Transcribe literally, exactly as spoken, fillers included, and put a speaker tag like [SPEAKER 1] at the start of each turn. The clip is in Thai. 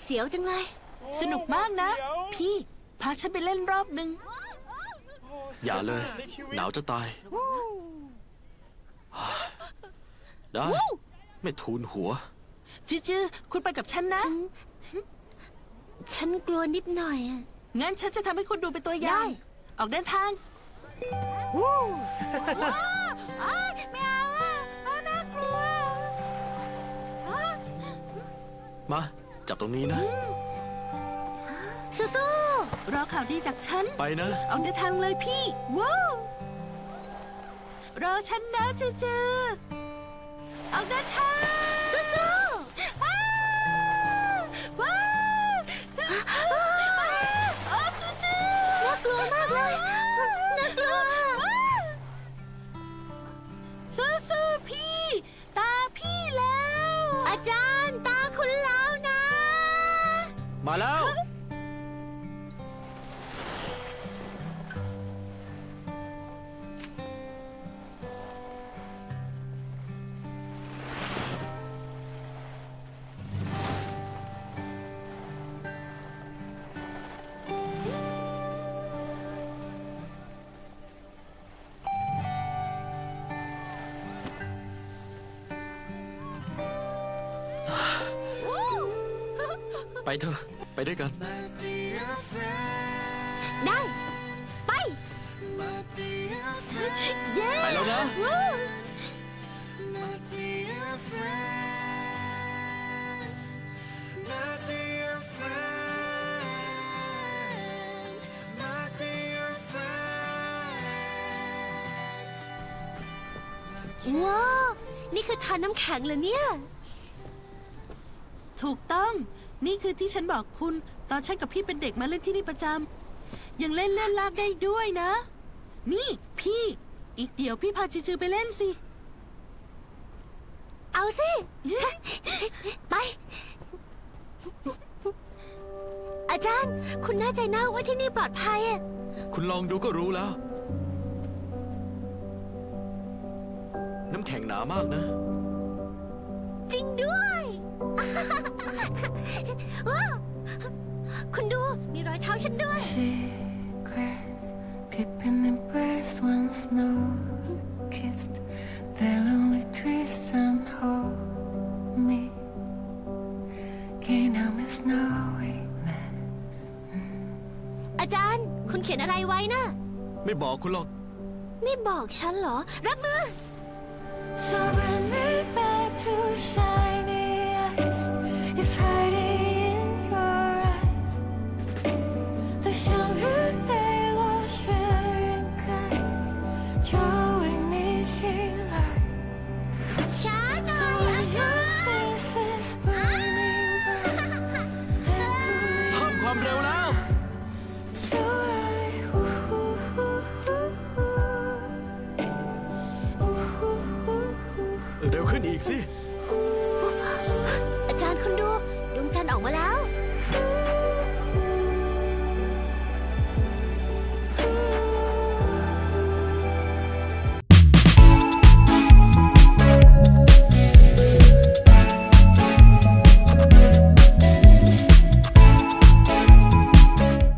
[SPEAKER 1] เสียวจังเลย
[SPEAKER 2] สนุกมากนะ พี่พาฉันไปเล่นรอบหนึ่ง
[SPEAKER 3] อย่าเลย หนาวจะตาย ได้ ไม่ทูลหัว
[SPEAKER 2] จื้อจื้อคุณไปกับฉันนะ
[SPEAKER 1] ฉันกลัวนิดหน่อยอะ
[SPEAKER 2] งั้นฉันจะทำให้คุณดูเป็นตัวอย่าง
[SPEAKER 1] ได้
[SPEAKER 2] ออกเดินทางวู้ว้าวอ้ายไม่เอาอ่ะอ้าวน่ากลัวอ้าว
[SPEAKER 3] มา จับตรงนี้นะ
[SPEAKER 1] สู้
[SPEAKER 2] รอข่าวดีจากฉัน
[SPEAKER 3] ไปนะ
[SPEAKER 2] ออกเดินทางเลยพี่ ว้าวรอฉันนะจื้อจื้อออกเดินทาง
[SPEAKER 1] ๆสู้
[SPEAKER 2] อ้าวว้าวอ้าวจื้อจื้อ
[SPEAKER 1] ๆน่ากลัวมากเลยน่ากลัว
[SPEAKER 2] สู้ๆพี่ ตาพี่แล้ว
[SPEAKER 1] อาจารย์ตาคุณแล้วนะ
[SPEAKER 3] มาแล้ว ไปเถอะ ไปด้วยกัน
[SPEAKER 1] ได้ ไป
[SPEAKER 2] เย้
[SPEAKER 3] ไปแล้วนะ
[SPEAKER 2] วู้
[SPEAKER 1] ว้าว นี่คือทานน้ำแข็งเหรอเนี่ย
[SPEAKER 2] ถูกต้อง นี่คือที่ฉันบอกคุณ ตอนฉันกับพี่เป็นเด็กมาเล่นที่นี่ประจำ ยังเล่นเล่นลากได้ด้วยนะ นี่พี่ อีกเดี๋ยวพี่พาจือๆไปเล่นสิ
[SPEAKER 1] เอาสิ ไป อาจารย์ คุณแน่ใจนะว่าที่นี่ปลอดภัยอะ
[SPEAKER 3] คุณลองดูก็รู้แล้ว น้ำแข็งหนามากนะ
[SPEAKER 1] จริงด้วย ว้าวคุณดู มีรอยเท้าฉันด้วย
[SPEAKER 4] Secrets, keeping in breath when snow kissed the lonely trees and hold me. Can't help me snowy man.
[SPEAKER 1] อาจารย์ คุณเขียนอะไรไว้นะ
[SPEAKER 3] ไม่บอกคุณหรอก
[SPEAKER 1] ไม่บอกฉันเหรอ รับมือ
[SPEAKER 4] So bring me back to shiny eyes. It's hiding in your eyes. The show you lay was very kind. Showing me she light.
[SPEAKER 1] ช้าหน่อยอาจารย์
[SPEAKER 4] Face is burning bright. And
[SPEAKER 3] เพิ่มความเร็วแล้ว
[SPEAKER 4] so I, ooh, ooh, ooh, ooh, ooh, ooh, ooh, ooh.
[SPEAKER 3] เร็วขึ้นอีกสิ